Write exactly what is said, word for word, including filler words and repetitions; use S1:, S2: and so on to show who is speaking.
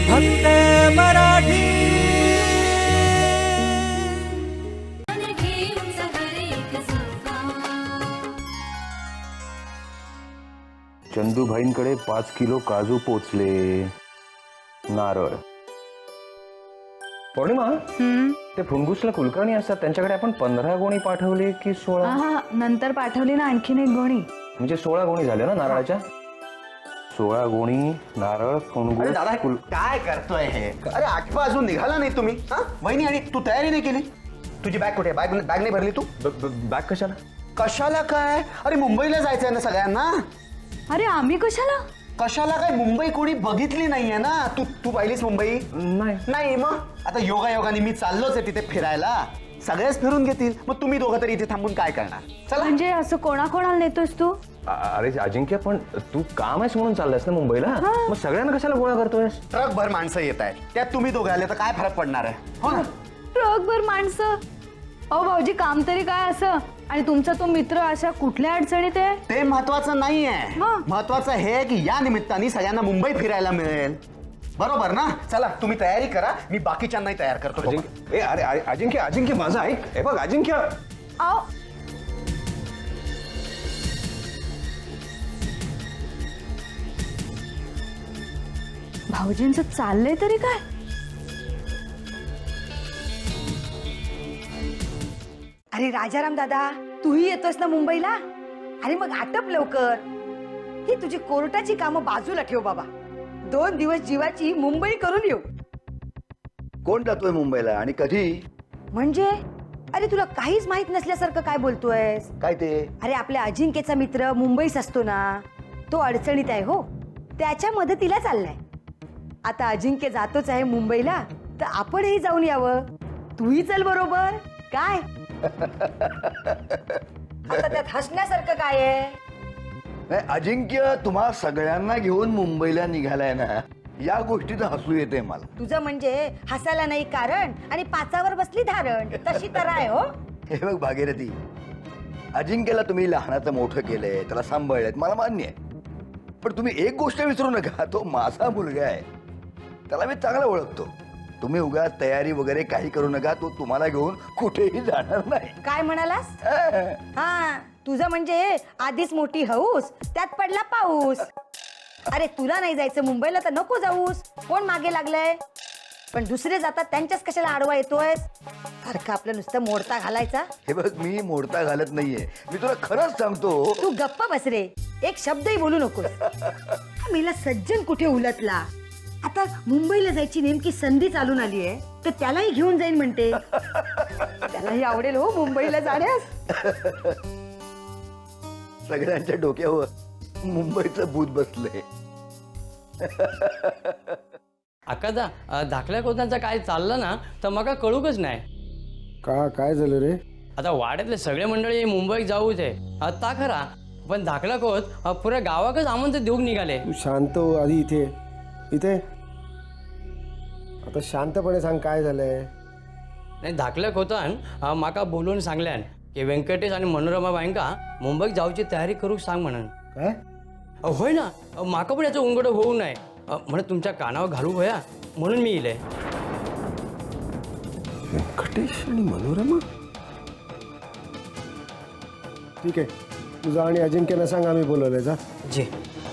S1: फक्त मराठी.
S2: चंदूभाईंकडे पाच किलो काजू पोचले. नारळ. पौर्णिमा, ते फुंगुसला कुलकर्णी असतात त्यांच्याकडे आपण पंधरा गोणी पाठवली की सोळा?
S3: हा नंतर पाठवली ना आणखीन एक गोणी.
S2: म्हणजे सोळा गोणी झाल्या ना नारळाच्या? सोळा गोणी नारळ फुंगूस.
S4: दादा काय करतोय हे? अरे आठवा अजून निघाला नाही तुम्ही. हा वहिनी, आणि तू तयारी नाही केली? तुझी बॅग कुठे? बॅग बॅग नाही भरली तू?
S2: बॅग कशाला?
S4: कशाला काय? अरे मुंबईला जायचंय ना सगळ्यांना.
S3: अरे आम्ही कशाला?
S4: कशाला काय? मुंबई कोणी बघितली नाहीये ना. तू तू पाहिलीस मुंबई?
S2: नाही.
S4: नाही मग आता योगा योगाने मी चाललोच आहे तिथे फिरायला. सगळेच फिरून घेतील, मग तुम्ही दोघं तरी इथे थांबून काय करणार? चला.
S3: म्हणजे असं कोणाकोणाला नेतोस तू?
S2: अरे अजिंक्य, पण तू काम आहेस म्हणून चाललास ना मुंबईला, मग सगळ्यांना कशाला गोळा करतोयस?
S4: ट्रक भर माणसं येत आहेत, त्यात तुम्ही दोघं आले तर काय फरक पडणार आहे? हो ना.
S3: ट्रकभर माणसं? अहो भाऊजी, काम तरी काय असं? आणि तुमचा तो मित्र अशा कुठल्या अडचणीत आहे?
S4: ते महत्वाचं नाहीये.
S3: मग?
S4: महत्वाचं हे की या निमित्ताने सगळ्यांना मुंबई फिरायला मिळेल. बरोबर ना? चला तुम्ही तयारी करा, मी बाकीच्यांनाही तयार करतो.
S2: अजिंक्य, ए अरे अरे, अजिंक्य अजिंक्य माझा ऐक. हे बघ अजिंक्य.
S3: अहो भाऊजींचं चाललंय तरी काय?
S5: अरे राजाराम दादा, तूही येतोस ना मुंबईला? अरे मग आटप लवकर. ही तुझी कोर्टाची कामं बाजूला ठेव बाबा. दोन दिवस जीवाची मुंबई करून येऊ.
S6: कोण जातोय मुंबईला आणि कधी?
S5: म्हणजे अरे तुला काहीच माहित नसल्यासारखं काय बोलतोयस?
S6: काय ते?
S5: अरे आपल्या अजिंक्यचा मित्र मुंबईस असतो ना, तो अडचणीत आहे हो, त्याच्या मदतीला चाललाय. आता अजिंक्य जातोच आहे मुंबईला, तर आपणही जाऊन यावं. तूही चल बरोबर. काय आता त्यात हसण्यासारखं काय आहे?
S6: नाही, अजिंक्य तुम्हा सगळ्यांना घेऊन मुंबईला निघालाय ना, या गोष्टीचं हसू येते मला.
S5: तुझं म्हणजे हसायला नाही कारण आणि पाचावर बसली धारण, तशी तर आहे हो.
S6: हे बघ भागीरथी, अजिंक्यला तुम्ही लहानाचं मोठं केलंय, त्याला सांभाळलंय, मला मान्य आहे. पण तुम्ही एक गोष्ट विसरू नका, तो माझा मुलगा आहे, त्याला मी चांगला ओळखतो. तुम्ही उगा तयारी वगैरे काही करू नका, तो तुम्हाला घेऊन कुठेही जाणार नाही.
S5: काय म्हणालास? हा तुझं म्हणजे आधीच मोठी हौस, त्यात पडला पाऊस. अरे तुला नाही जायचं मुंबईला तर नको जाऊस. कोण मागे लागलंय? पण दुसरे जातात त्यांच्याच कशाला आडवा येतोय? सारखं आपलं नुसतं मोडता घालायचा.
S6: हे बघ, मी मोडता घालत नाहीये, मी तुला खरंच सांगतो.
S5: तू गप्प बस रे, एक शब्दही बोलू नकोस. मेला सज्जन कुठे उलटला. आता मुंबईला जायची नेमकी संधी चालून आली आहे, तर त्यालाही घेऊन जाईन म्हणते. त्यालाही आवडेल हो मुंबईला जाण्यास.
S6: सगळ्यांच्या डोक्यावर मुंबईचं भूत बसलंय.
S7: अकादा दाखल्या कोणाचं काय चाललं ना तर मग कळूकच नाही.
S8: का काय झालं रे?
S7: आता वाड्यातले सगळे मंडळी मुंबईत जाऊच आहे आता खरा, पण दाखला कोत पुऱ्या गावाकच आमंत्रण देऊन निघाले.
S8: तू शांत हो आधी. इथे इथे आता शांतपणे सांग काय झालंय.
S7: नाही, दाखल्या कोतान माका बोलून सांगल्यान की व्यंकटेश आणि मनोरमा बायंका मुंबईत जाऊची तयारी करू सांग म्हणून.
S8: काय?
S7: होय ना, माका पण याचं उंगड होऊ नये म्हणून तुमच्या कानावर घालू होया म्हणून मी इले.
S8: व्यंकटेश आणि मनोरमा? ठीक आहे, तुझा आणि अजिंक्यला सांग आम्ही बोलवलंय. जा.
S7: जी.